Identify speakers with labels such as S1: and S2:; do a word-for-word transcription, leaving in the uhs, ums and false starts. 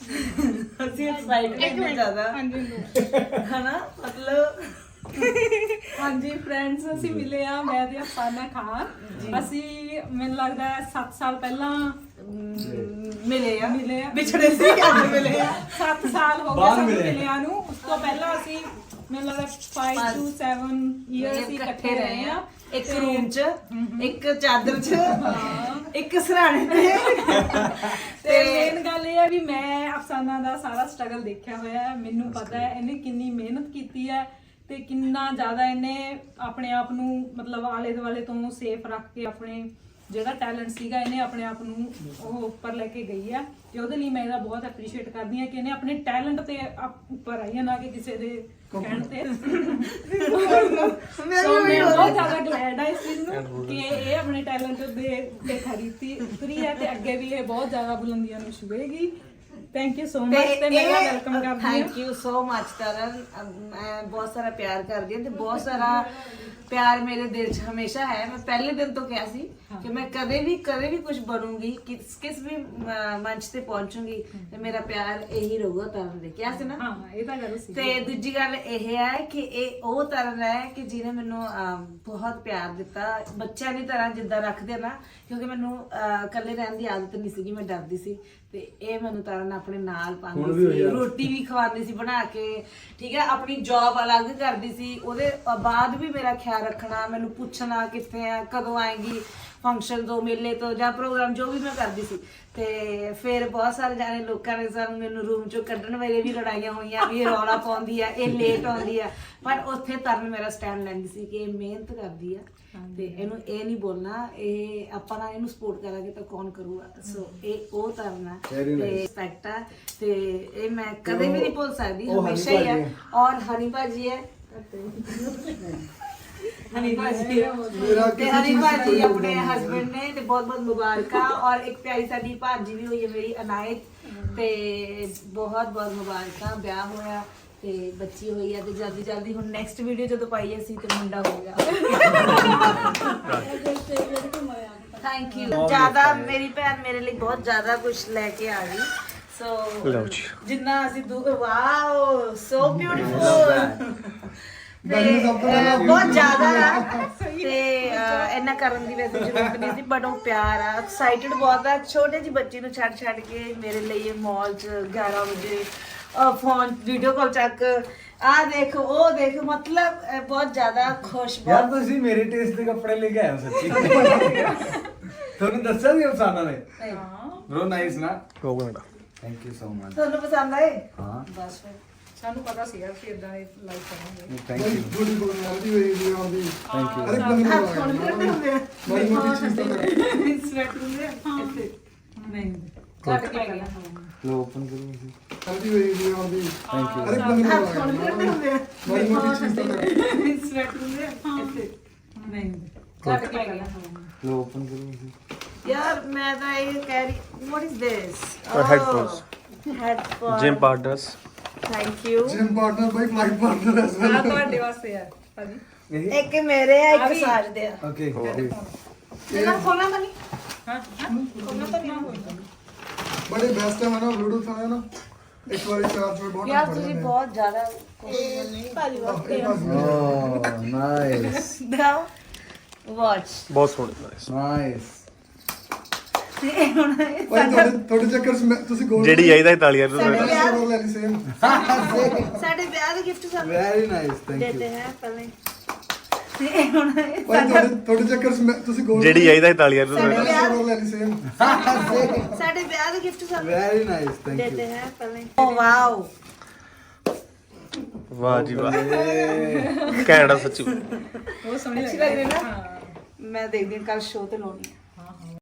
S1: ਅਸੀਂ ਐਕਸਾਈਟਡ ਇੰਨੇ ਜ਼ਿਆਦਾ ਹਨਾ ਮਤਲਬ
S2: ਹਾਂਜੀ ਫਰੈਂਡਸ ਅਸੀਂ ਮਿਲੇ ਆ ਮੈਂ ਤੇ ਅਫਸਾਨਾ ਖਾਨ ਅਸੀਂ ਮੈਨੂੰ ਲੱਗਦਾ ਹੈ ਸੱਤ ਸਾਲ ਪਹਿਲਾਂ
S1: ਮਿਲੇ ਆ
S2: ਮਿਲੇ ਆ
S1: ਵਿਛੜੇ ਸੀ ਅੱਜ ਮਿਲੇ ਆ
S2: ਸੱਤ ਸਾਲ ਹੋ ਗਏ ਸਾਨੂੰ ਮਿਲਿਆਂ ਨੂੰ ਉਸ ਤੋਂ ਪਹਿਲਾਂ ਅਸੀਂ ਮੈਨੂੰ ਲੱਗਦਾ five to seven ਇਅਰ ਅਸੀਂ ਇਕੱਠੇ ਰਹੇ ਆ
S1: ਇੱਕ ਰੂਮ 'ਚ ਇੱਕ ਚਾਦਰ 'ਚ ਇੱਕ ਸਰਾਣੇ ਤੇ
S2: ਤੇ ਮੇਨ ਗੱਲ ਇਹ ਹੈ ਵੀ ਮੈਂ ਅਫਸਾਨਾ ਦਾ ਸਾਰਾ ਸਟਰਗਲ ਦੇਖਿਆ ਹੋਇਆ ਹੈ ਮੈਨੂੰ ਪਤਾ ਹੈ ਇਹਨੇ ਕਿੰਨੀ ਮਿਹਨਤ ਕੀਤੀ ਹੈ ਤੇ ਕਿੰਨਾ ਜ਼ਿਆਦਾ ਇਹਨੇ ਆਪਣੇ ਆਪ ਨੂੰ ਮਤਲਬ ਆਲੇ ਦੁਆਲੇ ਤੋਂ ਸੇਫ ਰੱਖ ਕੇ ਆਪਣੇ ਜਿਹੜਾ ਟੈਲੈਂਟ ਸੀਗਾ ਇਹਨੇ ਆਪਣੇ ਆਪ ਨੂੰ ਉਹ ਉੱਪਰ ਲੈ ਕੇ ਗਈ ਆ ਤੇ ਉਹਦੇ ਲਈ ਮੈਂ ਇਹਦਾ ਬਹੁਤ ਐਪਰੀਸ਼ੀਏਟ ਕਰਦੀ ਆ ਕਿ ਇਹਨੇ ਆਪਣੇ ਟੈਲੈਂਟ ਤੇ ਉੱਪਰ ਆਈ ਹੈ ਨਾ ਕਿ ਕਿਸੇ ਦੇ ਕਹਿਣ ਤੇ ਸੋ ਮੈਂ ਬਹੁਤ ਜ਼ਿਆਦਾ ਗਲੈਡ ਆ ਇਸ ਚੀਜ਼ ਨੂੰ ਕਿ ਇਹ ਆਪਣੇ ਟੈਲੈਂਟ ਦੇ ਤੇ ਖਰੀਦੀ ਉਤਰੀ ਹੈ ਤੇ ਅੱਗੇ ਵੀ ਇਹ ਬਹੁਤ ਜ਼ਿਆਦਾ ਬੁਲੰਦੀਆਂ ਨੂੰ ਛੂਹੇਗੀ ਥੈਂਕ ਯੂ ਸੋ ਮਚ ਤੇ ਮੇਰਾ ਵੈਲਕਮ ਕਰਦੀ ਹਾਂ
S1: thank you so much Taran ਮੈਂ ਬਹੁਤ ਸਾਰਾ ਪਿਆਰ ਕਰਦੀ ਹਾਂ ਤੇ ਬਹੁਤ ਸਾਰਾ ਪਿਆਰ ਮੇਰੇ ਦਿਲ 'ਚ ਹਮੇਸ਼ਾ ਹੈ ਮੈਂ ਪਹਿਲੇ ਦਿਨ ਤੋਂ ਕਿਹਾ ਸੀ ਕਿ ਮੈਂ ਕਦੇ ਵੀ ਕਦੇ ਵੀ ਕੁਝ ਬਣੂੰਗੀ ਕਿਸ ਕਿਸ ਵੀ ਮੰਚ ਤੇ ਪਹੁੰਚੂੰਗੀ ਤੇ ਮੇਰਾ ਪਿਆਰ ਇਹੀ ਰਹੂਗਾ ਤਰਨ ਦੇ ਕਿਹਾ ਸੀ ਨਾ
S2: ਹਾਂ ਇਹ ਤਾਂ ਗੱਲ ਸੀ
S1: ਤੇ ਦੂਜੀ ਗੱਲ ਇਹ ਹੈ ਕਿ ਇਹ ਉਹ ਤਰਨ ਹੈ ਕਿ ਜਿਹਨੇ ਮੈਨੂੰ ਬਹੁਤ ਪਿਆਰ ਦਿੱਤਾ ਬੱਚਿਆਂ ਦੀ ਤਰ੍ਹਾਂ ਜਿੱਦਾਂ ਰੱਖਦੇ ਨਾ ਕਿਉਂਕਿ ਮੈਨੂੰ ਇਕੱਲੇ ਰਹਿਣ ਦੀ ਆਦਤ ਨਹੀਂ ਸੀਗੀ ਮੈਂ ਡਰਦੀ ਸੀ ਤੇ ਇਹ ਮੈਨੂੰ ਤਰਨ ਆਪਣੇ ਨਾਲ ਪਾਉਂਦੀ ਸੀ ਰੋਟੀ ਵੀ ਖਵਾਉਂਦੀ ਸੀ ਬਣਾ ਕੇ ਠੀਕ ਹੈ ਆਪਣੀ ਜੌਬ ਅਲੱਗ ਕਰਦੀ ਸੀ ਉਹਦੇ ਬਾਅਦ ਵੀ ਮੇਰਾ ਖਿਆਲ ਰੱਖਣਾ ਮੈਨੂੰ ਪੁੱਛਣਾ ਕਿੱਥੇ ਆ ਕਦੋਂ ਆਏਗੀ ਫੰਕਸ਼ਨ ਤੋਂ ਮੇਲੇ ਤੋਂ ਜਾਂ ਪ੍ਰੋਗਰਾਮ ਜੋ ਵੀ ਮੈਂ ਕਰਦੀ ਸੀ ਤੇ ਫਿਰ ਬਹੁਤ ਸਾਰੇ ਜਾਣੇ ਲੋਕਾਂ ਨੇ ਸਾਨੂੰ ਮੈਨੂੰ ਰੂਮ ਚੋਂ ਕੱਢਣ ਵੇਲੇ ਵੀ ਲੜਾਈਆਂ ਹੋਈਆਂ ਵੀ ਇਹ ਰੌਲਾ ਪਾਉਂਦੀ ਆ ਇਹ ਲੇਟ ਆਉਂਦੀ ਆ ਪਰ ਉੱਥੇ ਤਰਨ ਮੇਰਾ ਸਟੈਂਡ ਲੈਂਦੀ ਸੀ ਕਿ ਇਹ ਮਿਹਨਤ ਕਰਦੀ ਆ ਤੇ ਇਹਨੂੰ ਇਹ ਨਹੀਂ ਬੋਲਣਾ ਇਹ ਆਪਾਂ ਨਾ ਇਹਨੂੰ ਸਪੋਰਟ ਕਰਾਂਗੇ ਤਾਂ ਕੌਣ ਕਰੂਗਾ ਸੋ ਇਹ ਉਹ ਤਰਨ ਆ ਤੇ ਰਿਸਪੈਕਟ ਆ ਤੇ ਇਹ ਮੈਂ ਕਦੇ ਵੀ ਨਹੀਂ ਭੁੱਲ ਸਕਦੀ ਹਮੇਸ਼ਾ ਹੀ ਆ ਔਰ ਹਨੀ ਭਾਜੀ ਹੈ ਹਨੀ ਭਾਜੀ ਤੇ ਹਨੀ ਭਾਜੀ ਆਪਣੇ ਹਸਬੰਡ ਨੇ ਤੇ ਬਹੁਤ ਬਹੁਤ ਮੁਬਾਰਕਾਂ ਔਰ ਇੱਕ ਪਿਆਰੀ ਸਾਡੀ ਭਾਜੀ ਵੀ ਹੋਈ ਹੈ ਮੇਰੀ ਅਨਾਇਤ ਤੇ ਬਹੁਤ ਬਹੁਤ ਮੁਬਾਰਕਾਂ ਵਿਆਹ ਹੋਇਆ ਤੇ ਬੱਚੀ ਹੋਈ ਹੈ ਤੇ ਜਲਦੀ ਜਲਦੀ ਹੁਣ ਨੈਕਸਟ ਵੀਡੀਓ ਜਦੋਂ ਪਾਈ ਅਸੀਂ ਤੇ ਮੁੰਡਾ ਹੋ ਗਿਆ ਥੈਂਕ ਯੂ ਜ਼ਿਆਦਾ ਮੇਰੀ ਭੈਣ ਮੇਰੇ ਲਈ ਬਹੁਤ ਜ਼ਿਆਦਾ ਕੁਝ ਲੈ ਕੇ ਆ ਗਈ ਸੋ ਜਿੰਨਾ ਅਸੀਂ ਵਾਓ ਸੋ ਬਿਊਟੀਫੁਲ ਬਹੁਤ ਜ਼ਿਆਦਾ ਤੇ ਇੰਨਾ ਕਰਨ ਦੀ ਵੈਸੇ ਜ਼ਰੂਰਤ ਨਹੀਂ ਸੀ ਬਟ ਉਹ ਪਿਆਰ ਆ ਐਕਸਾਈਟਡ ਬਹੁਤ ਆ ਛੋਟੇ ਜਿਹੀ ਬੱਚੀ ਨੂੰ ਛੱਡ ਛੱਡ ਕੇ ਮੇਰੇ ਲਈ ਇਹ ਮਾਲ 'ਚ ਗਿਆਰਾਂ ਵਜੇ ਫੋਨ ਵੀਡੀਓ ਕਾਲ ਚੱਕ ਆ ਦੇਖ ਉਹ ਦੇਖ ਮਤਲਬ ਬਹੁਤ ਜ਼ਿਆਦਾ ਖੁਸ਼
S3: ਯਾਰ ਤੁਸੀਂ ਮੇਰੇ ਟੇਸਟ ਦੇ ਕੱਪੜੇ ਲੈ ਕੇ ਆਏ ਹੋ ਸੱਚੀ ਤੁਹਾਨੂੰ ਦੱਸਿਆ ਸੀ ਅਫਸਾਨਾ ਨੇ
S2: ਹਾਂ
S3: ਬ్రో ਨਾਈਸ ਨਾ
S4: ਹੋ ਗਿਆ
S3: ਥੈਂਕ ਯੂ ਸੋ ਮਚ
S1: ਤੁਹਾਨੂੰ ਪਸੰਦ ਆਏ
S3: ਹਾਂ
S1: ਬਸ ਫਿਰ
S2: ਸਾਨੂੰ ਪਤਾ ਸੀਗਾ ਕਿ ਇਦਾਂ ਦੇ ਲਾਈਕ ਕਰਾਂਗੇ
S3: ਥੈਂਕ ਯੂ
S5: ਥੋੜੀ ਬੋਲ ਆਉਂਦੀ ਹੋਈ ਵੀ ਆਉਂਦੀ
S3: ਥੈਂਕ ਯੂ
S5: ਅਰੇ ਬੰਦੇ
S1: ਹੱਥ ਫੋਨ ਕਰਦੇ ਹੁੰਦੇ ਆ
S5: ਬੜੀ ਮੋਟੀ ਚੀਜ਼ ਤਾਂ
S1: ਸਵੈਟ ਹੁੰਦੇ ਆ ਇੱਥੇ ਨਹੀਂ ਕੱਟ ਕੇ ਗਿਆ
S3: ਲੋ ਓਪਨ ਕਰੋ ਤੁਸੀਂ
S5: ਆਉਂਦੀ ਹੋਈ ਵੀ ਆਉਂਦੀ
S3: ਥੈਂਕ ਯੂ
S5: ਅਰੇ ਬੰਦੇ
S1: ਹੱਥ ਫੋਨ ਕਰਦੇ ਹੁੰਦੇ ਆ
S5: ਬੜੀ ਮੋਟੀ ਚੀਜ਼ ਤਾਂ
S1: ਸਵੈਟ ਹੁੰਦੇ ਆ ਇੱਥੇ ਨਹੀਂ ਕੱਟ ਕੇ ਗਿਆ
S3: ਲੋ ਓਪਨ ਕਰੋ ਤੁਸੀਂ
S1: ਯਾਰ ਮੈਂ ਤਾਂ ਇਹ ਕਹਿ ਰਹੀ what is this
S4: headphones.
S1: Headphone
S4: gym partners
S1: thank you
S5: gym partner ਬਾਈ ਫਲਾਈਟ ਪਾਰਟਨਰ ਐਸ
S2: ਆ ਤੁਹਾਡੇ ਵਾਸਤੇ ਆ ਭਾਜੀ
S1: ਇੱਕ ਮੇਰੇ ਆ ਇੱਕ ਸਾਜ ਦੇ ਆ
S3: ਓਕੇ
S1: ਇਹਨਾਂ ਖੋਲਣਾ ਤਾਂ ਨਹੀਂ
S2: ਹਾਂ ਕੋਨਾ ਤਾਂ ਨਹੀਂ ਹੋਈ
S5: ਬੜੇ ਬੈਸਟ ਹੈ ਨਾ ਬਲੂਟੂਥ ਹੈ ਨਾ ਇੱਕ ਵਾਰੀ ਚਾਰਜ ਹੋਏ ਬਹੁਤ
S1: ਯਾਰ ਤੁਸੀਂ ਬਹੁਤ ਜ਼ਿਆਦਾ ਕੋਸ਼ਿਸ਼ ਭਾਜੀ ਵਾਸਤੇ
S3: ਓ ਨਾਈਸ
S1: ਦਾ ਵਾਚ
S4: ਬਹੁਤ ਸੋਹਣੇ ਨਾਈਸ
S3: ਨਾਈਸ
S1: ਤੇ ਹੁਣ ਇਹ
S5: ਭਾਈ ਤੁਹਾਡੇ ਤੁਹਾਡੇ ਚੱਕਰ ਚ ਮੈਂ- ਤੁਸੀਂ ਗੋਲ
S4: ਜਿਹੜੀ ਆਈਦਾ ਤਾਲੀਆਂ ਨੂੰ
S1: ਸਾਡੇ ਵਿਆਹ
S5: ਰੋਲ ਲੈ ਲਈ ਸੇਮ
S1: ਸਾਡੇ ਵਿਆਹ ਦੇ ਗਿਫਟ ਸਾਨੂੰ
S3: ਵੈਰੀ ਨਾਈਸ ਥੈਂਕ ਯੂ
S1: ਦੇਤੇ ਹੈ ਪਹਿਲੇ ਤੇ ਹੁਣ ਇਹ
S5: ਭਾਈ ਤੁਹਾਡੇ ਤੁਹਾਡੇ ਚੱਕਰ ਚ ਮੈਂ- ਤੁਸੀਂ ਗੋਲ
S4: ਜਿਹੜੀ ਆਈਦਾ ਤਾਲੀਆਂ ਨੂੰ
S1: ਸਾਡੇ ਵਿਆਹ
S5: ਰੋਲ ਲੈ ਲਈ ਸੇਮ
S1: ਸਾਡੇ ਵਿਆਹ ਦੇ ਗਿਫਟ ਸਾਨੂੰ
S3: ਵੈਰੀ ਨਾਈਸ ਥੈਂਕ ਯੂ
S1: ਦੇਤੇ ਹੈ ਪਹਿਲੇ ਓ ਵਾਓ
S4: ਵਾਹ ਜੀ ਵਾਹ ਕੈਨੇਡਾ ਸੱਚੀ
S2: ਉਹ ਸੋਹਣੀ
S1: ਅੱਛੀ
S2: ਲੱਗ
S1: ਲੱਗ ਰਹੀ
S2: ਰਹੀ
S1: ਨਾ ਮੈਂ ਦੇਖਦੀ ਹਾਂ ਕੱਲ ਸ਼ੋਅ ਤੇ ਲਾਉਣੀ ਹੈ